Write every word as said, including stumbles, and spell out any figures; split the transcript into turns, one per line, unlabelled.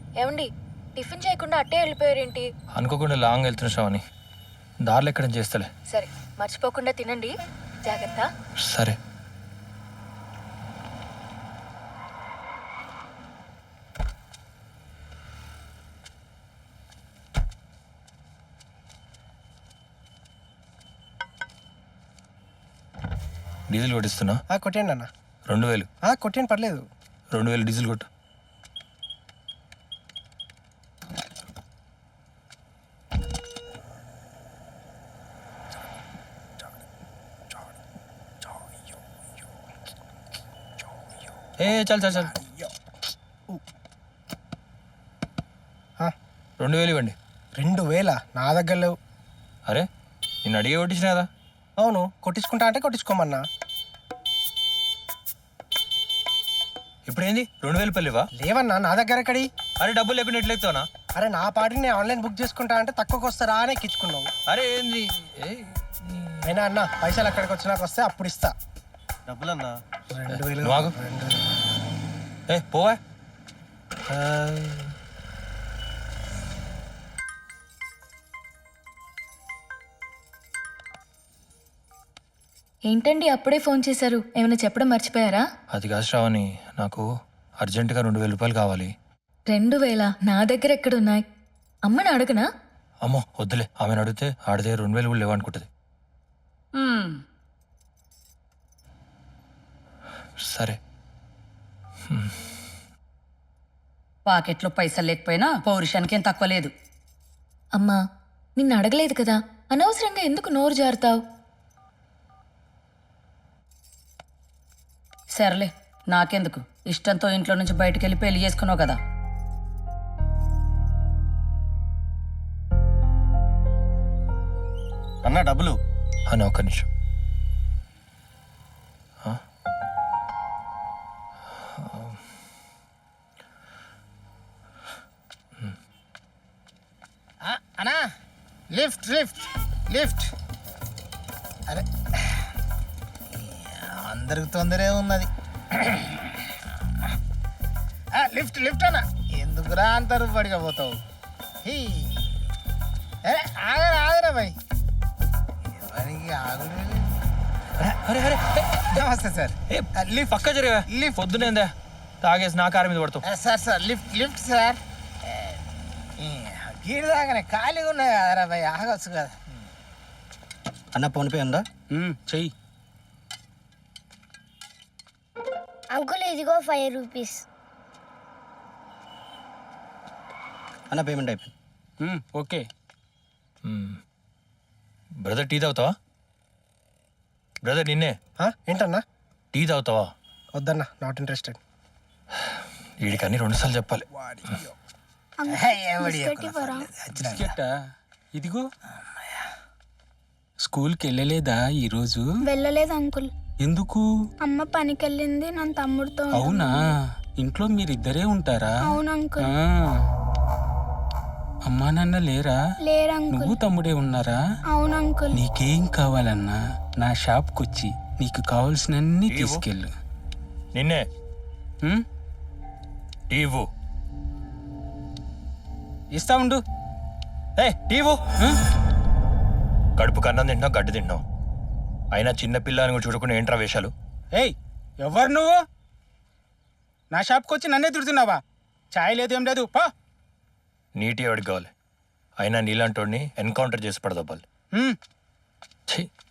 ఏమండి టిఫిన్ చేయకుండా అట్టే వెళ్ళిపోయారేంటి?
అనుకోకుండా లాంగ్ వెళ్తున్న శ్రావణి, దారిలో ఎక్కడ చేస్తలే.
సరే మర్చిపోకుండా తినండి, జాగ్రత్త.
సరే. డీజిల్ కొట్టిస్తున్నా.
కొట్టండి అన్న.
రెండు వేలు
కొట్టండి, పర్లేదు.
రెండు వేలు డీజిల్ కొట్టు. ఏ చాలు చాలు చాలు రెండు వేలు ఇవ్వండి.
రెండు వేల నా దగ్గర లేవు.
అరే నేను అడిగే కొట్టించిన కదా.
అవును, కొట్టించుకుంటా అంటే కొట్టించుకోమన్నా.
ఇప్పుడు ఏంది రెండు వేలు పల్లివా?
లేవన్నా, నా దగ్గర ఎక్కడి.
అరే డబ్బులు లేకుండా ఎట్లెక్తావునా?
అరే నా పాటిని నేను ఆన్లైన్ బుక్ చేసుకుంటా అంటే తక్కువకి వస్తారా అని ఎక్కించుకున్నావు.
అరే ఏంది?
అయినా అన్న పైసలు అక్కడికి వచ్చినాక వస్తే అప్పుడు ఇస్తా
డబ్బులు అన్నా.
రెండు వేలు
నువ్వు ఆగు. ఏ పోవా.
ఏంటండి అప్పుడే ఫోన్ చేశారు? ఏమైనా చెప్పడం మర్చిపోయారా?
అది కాదు శ్రావణి, నాకు అర్జెంటుగా రెండు వేల రూపాయలు కావాలి.
రెండు వేల నా దగ్గర ఎక్కడున్నాయి? అమ్మని అడగనా?
అమ్మో వద్దులే, ఆమెను అడిగితే ఆడితే రెండు వేలు కూడా లేవనుకుంటుంది. సరే.
పాకెట్లో పైసలు లేకపోయినా పౌరుషానికి ఏం తక్కువ లేదు.
అమ్మా నిన్ను అడగలేదు కదా, అనవసరంగా ఎందుకు నోరు జారుతావు?
సర్లే, నాకెందుకు, ఇష్టంతో ఇంట్లో నుంచి బయటికి వెళ్ళి పెళ్లి చేసుకున్నావు కదా.
అన్నా డబ్బులు
అని ఒక్క నిమిషం.
అన్నా లిఫ్ట్ లిఫ్ట్ లిఫ్ట్. అరే అందరికి తొందరే ఉన్నది. లిఫ్ట్ లిఫ్ట్ అన్న, ఎందుకురా అంటారు పడిగా పోతావు? ఆగరా ఆగరా భయ్, ఎవరికి ఆగుడు. నమస్తే సార్.
లిఫ్ట్ పక్క జరిగా లిఫ్ట్ పొద్దునేందా తాగేసి నా కారు మీద పడతావు.
Sir sir lift lift sir. గీడి దాకానే ఖాళీగా ఉన్నాయి కదరా భయ్, ఆగొచ్చు కదా.
అన్న ఫోన్పే ఉందా?
చెయ్యి.
అంకుల్ ఇదిగో ఫైవ్ రూపీస్.
అన్న పేమెంట్ అయిపోయింది.
ఓకే. బ్రదర్ టీ తాగుతావా? బ్రదర్ నిన్నే.
ఏంటన్నా?
టీ తాగుతావా?
వద్దన్నా, నాట్ ఇంట్రెస్టెడ్.
వీడికన్నీ రెండు సార్లు చెప్పాలి.
ఇదిగో స్కూల్కి వెళ్ళలేదా ఈరోజు?
వెళ్ళలేదు అంకుల్.
ఎందుకు?
అమ్మ పనికి వెళ్ళింది, నన్ను తమ్ముడితో.
అవునా, ఇంట్లో మీరిద్దరే ఉంటారా?
అవును అంకుల్.
అమ్మా నాన్న లేరా?
లేరు అంకుల్.
నువ్వు తమ్ముడే ఉన్నారా?
అవును అంకుల్.
నీకేం కావాలన్నా నా షాప్కి వచ్చి నీకు కావాల్సినన్ని తీసుకెళ్ళు.
నిన్నే టీవు
ఇస్తా ఉండు.
ఏ టీవు కడుపు కన్నం తింటున్నావు, గడ్డి తింటున్నావు. అయినా చిన్న పిల్లని కూడా చూడకుండా ఏంట్రా వేషాలు?
ఏయ్ ఎవరు నువ్వు? నా షాప్కి వచ్చి నన్నే తిడుతున్నావా? ఛాయ్ లేదు ఏం లేదు, పా.
నీటి ఎవడికి కావాలి? అయినా నీలాంటి వాడిని ఎన్కౌంటర్ చేసి పడదబ్బాలి.